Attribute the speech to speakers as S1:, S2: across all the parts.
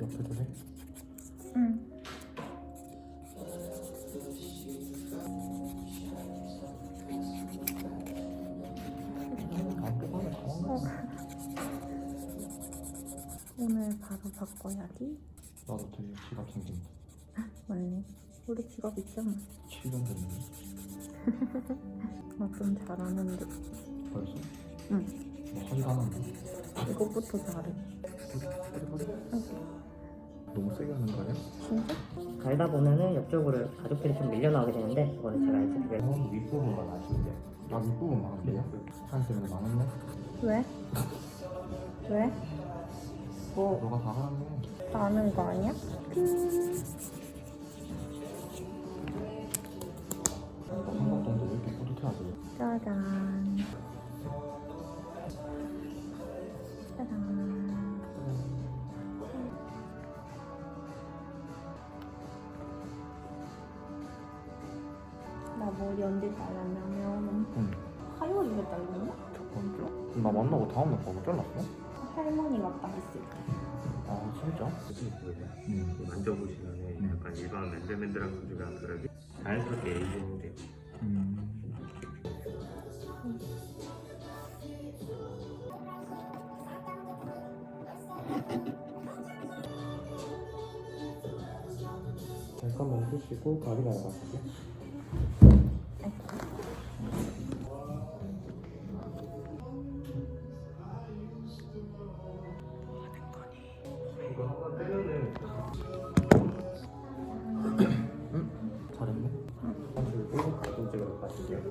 S1: 옆에도 해?
S2: 응. 오늘 바로 바꿔야지.
S1: 나도 되게 지갑 생긴다.
S2: 맞네. 우리 지갑 있잖아.
S1: 7년 됐는데.
S2: 나 좀 잘하는데.
S1: 벌써?
S2: 응.
S1: 뭐 하지도 않았나?
S2: 이것부터 잘해.
S1: 너무 세게 하는 거 아니야?
S2: 진짜?
S3: 갈다 보면은 옆쪽으로 가족들이 좀 밀려나오게 되는데 그거는 제가 이제 그걸
S1: 형 윗부분만 아시는데. 아 윗부분 많은데요? 한쌤은 많았네?
S2: 왜? 왜? 뭐
S1: 너가 다 하라네.
S2: 아는 거 아니야?
S1: 삼각동도 왜 이렇게 뿌듯해하지?
S2: 짜잔. 짜잔. 나 머리 언제 잘랐냐면
S1: 응.
S2: 화요일에 잘랐나?
S1: 첫 번째? 나 만나고 다음날 바로 잘랐어?
S2: 할머니 왔다 했을 때.
S1: 아 진짜? 응.
S4: 만져보시면 약간 일반 맨들맨들한 소주랑 다르게 자연스럽게 에이징돼.
S1: 잠깐만 쉬시고 가리나라 가실게.
S4: 이거 한번 뜨면은
S1: 잘했네.
S4: 그리고 가끔씩으로 가실게요.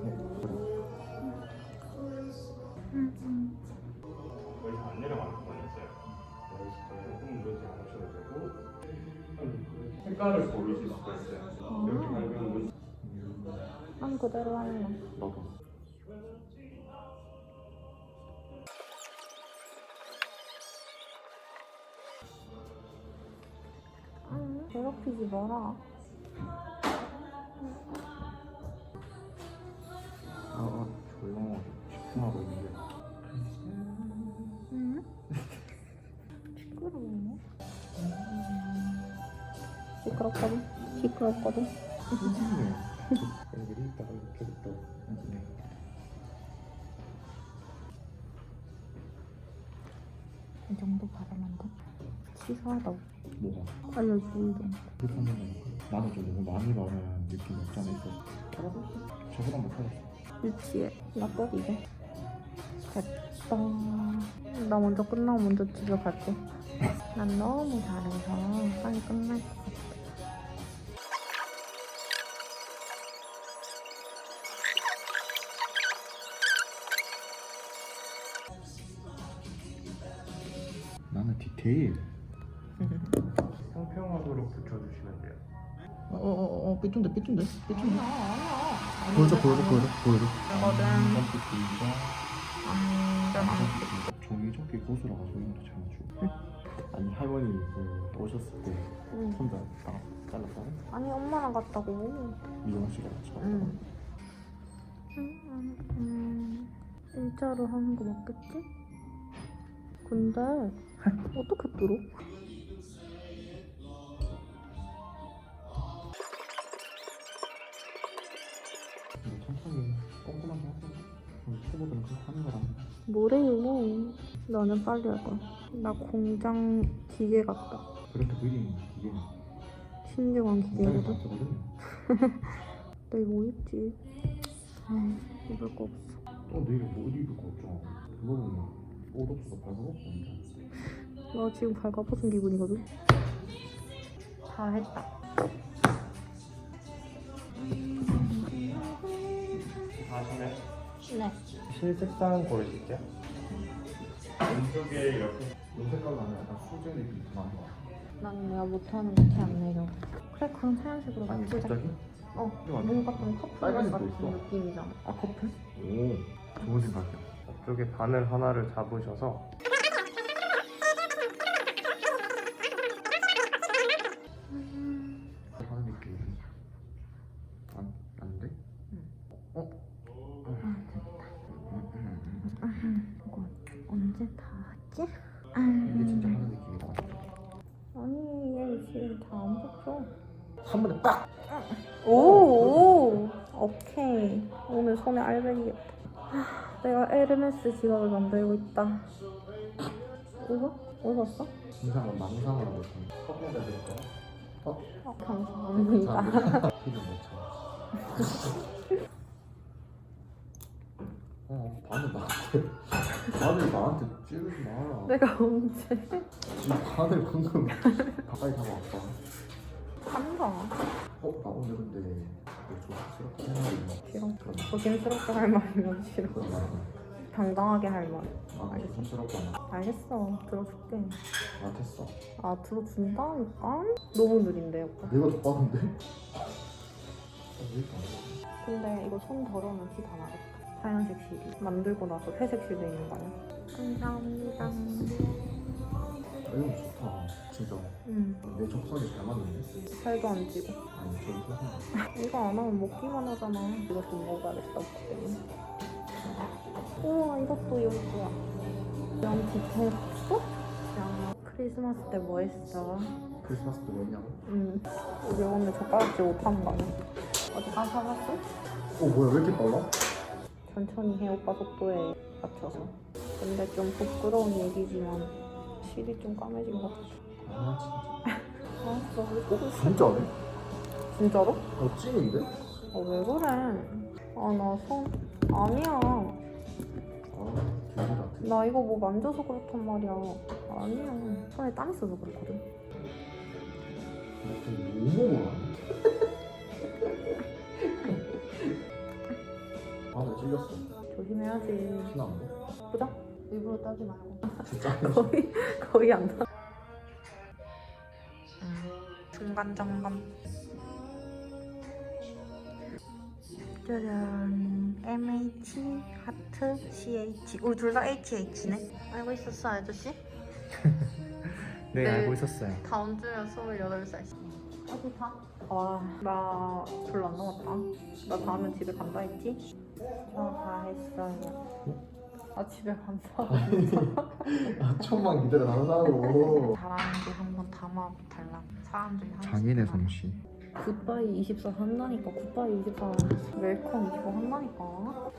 S4: 거의 다 안 내려가는 건 있어요. 조금 그러지 않으셔도 되고 색깔을 고르실 수가 있어요. 이렇게 밝은 분
S2: 난 그대로 할래.
S1: 나도.
S2: 괴롭히지 마라.
S1: 조용하게 집중하고 있는데.
S2: 응? 시끄러워. 시끄럽거든. 시끄럽거든.
S1: 애들이 있다가 이렇게 또.
S2: 이 정도 바르면 돼? 치사하다.
S1: 뭐가?
S2: 알려주고 좀.
S1: 그렇게 하는 거야. 나는 좀 너무 많이 바르는 느낌이 없잖아 있어. 털어봤어? 저보다 못 털었어.
S2: 유치해. 나 꺼리게. 됐다. 나 먼저 끝나고 먼저 집에 갈게. 난 너무 잘해서 빨리 끝날 것 같아.
S1: 나는 디테일.
S4: 평평하도록 붙여주시면 돼요.
S1: 삐뚤데 삐뚤데.
S2: 아니야.
S1: 보여줘.
S2: 거든.
S1: 종이접기 고수라가지고 이런 것도 잘 맞추고. 아니 할머니 그 오셨을 때
S2: 응.
S1: 혼자 다 잘랐다고?
S2: 아니 엄마랑 갔다고.
S1: 미용실에 같이 갔다고?
S2: 일자로 하는 거 맞겠지? 근데 어떻게 뚫어?
S1: 천천히 꼼꼼하게 하세요. 초보들은 그렇게 하는 거라고.
S2: 뭐래요? 나는 빨리 할 거야. 나 공장 기계 같다.
S1: 그렇게 느린 이게
S2: 신중한
S1: 굉장히
S2: 기계거든.
S1: 많거든요.
S2: 나 이거 뭐 입지? 입을 거 없어.
S1: 또 내일 뭐 입을 거 없죠. 그거 보면 옷 없어서 발가벗고
S2: 나 지금 발가벗은 기분이거든. 다 했다.
S4: 다 하시나요?
S2: 네.
S4: 실색상 고르실게요. 왼쪽에 이렇게
S1: 이 색깔로 하면 약간 수제리 좀 많은 거 같아.
S2: 나는 내가 못하는 거 티 안 내려. 그래 그럼 하얀색으로
S1: 아니
S2: 바꾸자.
S1: 갑자기?
S2: 뭔가 좀 커플
S1: 빨간색도
S2: 같은
S1: 있어.
S2: 느낌이잖아.
S1: 아 커플? 오 좋은 생각이야.
S4: 앞쪽에 바늘 하나를 잡으셔서
S1: 하는 느낌. 안 돼?
S2: 이거 언제 다 하지?
S1: 이게 진짜 하는 느낌이다.
S2: 아니 줘.
S1: 한 번에 빡!
S2: 오, 오케이. 오늘 손에 알배기겠다. 내가 에르메스 지갑을 만들고 있다. 웃어? 웃었어?
S1: 인상은 망상으로 못하는 커피에다 드릴까요?
S2: 감사합니다.
S1: 피는 못 참. 바늘 나한테 찌르지 마라.
S2: 내가 언제?
S1: 지금 바늘 방금 가까이 다가왔다.
S2: 한다.
S1: 나 오늘 근데 조심스럽게 할 말이 있나?
S2: 싫어. 조심스럽게 할 말이면 싫어.
S1: 그런 말.
S2: 당당하게 할 말.
S1: 아, 조심스럽게 하나?
S2: 알겠어. 들어줄게.
S1: 아, 됐어.
S2: 아, 들어준다니까? 너무 느린데, 오빠.
S1: 내가 더 빠른데? 왜 이렇게 안 돼?
S2: 근데 이거 손 덜어면 티 다 나겠다. 하얀색 실이. 만들고 나서 회색 실 돼 있는 거 아니야? 감사합니다.
S1: 이거 좋다. 진짜. 내 적성에 잘 맞는데?
S2: 살도 안 찌고.
S1: 아니, 저기 소금.
S2: 이거 안 하면 먹기만 하잖아. 이거 좀 먹어야겠다, 오빠 때문에. 우와, 이것도 이거야. 양 디테일 봤어? 야, 크리스마스 때 뭐 했어?
S1: 크리스마스 때 뭐냐고?
S2: 우리 오늘 젓가락질 못하는 거 아니야? 어디 가서 사봤어?
S1: 뭐야, 왜 이렇게 빨라?
S2: 천천히 해, 오빠 속도에 맞춰서. 근데 좀 부끄러운 얘기지만 실이 좀 까매진 것 같아.
S1: 아,
S2: 알았어, 우리 꼭 있어.
S1: 진짜네?
S2: 진짜로?
S1: 찐인데?
S2: 왜 그래? 나 손... 아니야.
S1: 기분 같아.
S2: 나 이거 뭐 만져서 그렇단 말이야. 아니야. 손에 땀 있어서 그렇거든.
S1: 너무 뭐라 바늘 찔렸어.
S2: 조심해야지.
S1: 피나는데?
S2: 보자. 일부러 따지 말고.
S1: 진짜?
S2: 거의 안 나. 중간 점검. 짜잔. MH 하트 CH. 우리 둘 다 HH네. 알고 있었어, 아저씨?
S1: 네,
S2: 네.
S1: 알고 있었어요.
S2: 다음 주면 28살. 어디 가? 나 별로 안 남았다. 나 다음에 집에 간다 했지? 저 다 했어요. 나 집에 간다.
S1: 천만 기다려 달라고.
S2: 잘하는지 한번 담아달라. 사람들이 하는
S1: 장인의 솜씨.
S2: 굿바이 24 한다니까. 굿바이 24 웰컴 25 한다니까.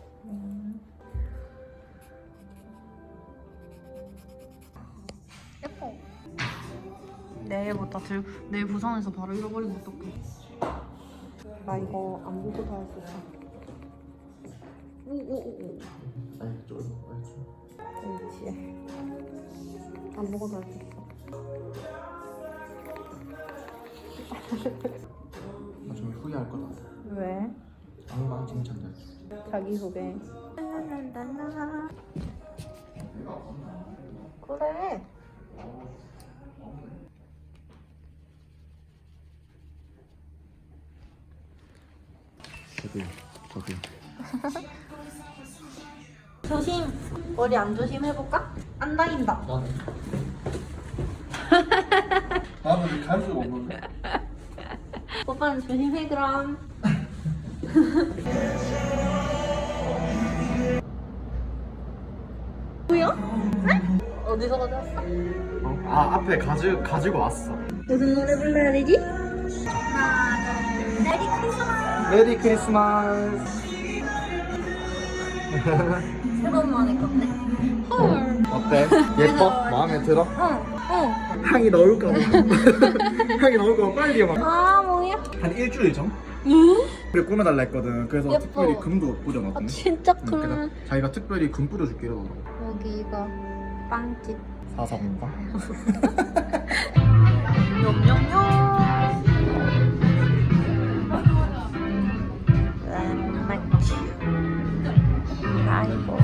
S2: 예뻐. 내일부터 내일 부산에서 바로 잃어버리면 어떡해. 나 이거 안 보고도 할 수 있어. 오오오오.
S1: 아니, 쫄.
S2: 그렇지. 안 보고도 할 수 있어.
S1: 나중에 후회할 거다.
S2: 왜?
S1: 엉망진창이야.
S2: 자기소개. 그래.
S1: 저기.
S2: 조심. 머리 안 조심 해볼까? 안 다닌다.
S1: 나는 갈 수가 없는데.
S2: 오빠는 조심해 그럼. 뭐야? 응? 어디서 가져왔어?
S1: 앞에 가지고 왔어.
S2: 무슨 노래 불러야 되지? 하나, 둘, 메리 크리스마스.
S1: 메리 크리스마스.
S2: 새로운 만의 건데. 헐.
S1: 어때? 예뻐? 마음에 들어?
S2: 응.
S1: 향이 나올까 봐. 향이 나올까 봐 빨리 막.
S2: 아 뭐야?
S1: 한 일주일 전? 그래 꾸며달라 했거든. 그래서
S2: 예뻐.
S1: 특별히 금도 뿌려놨거든.
S2: 진짜
S1: 그래서 자기가 특별히 금 뿌려줄게 이러더라고.
S2: 여기가 빵집.
S1: 사서 온가?
S2: 냠냠냠. 아이고.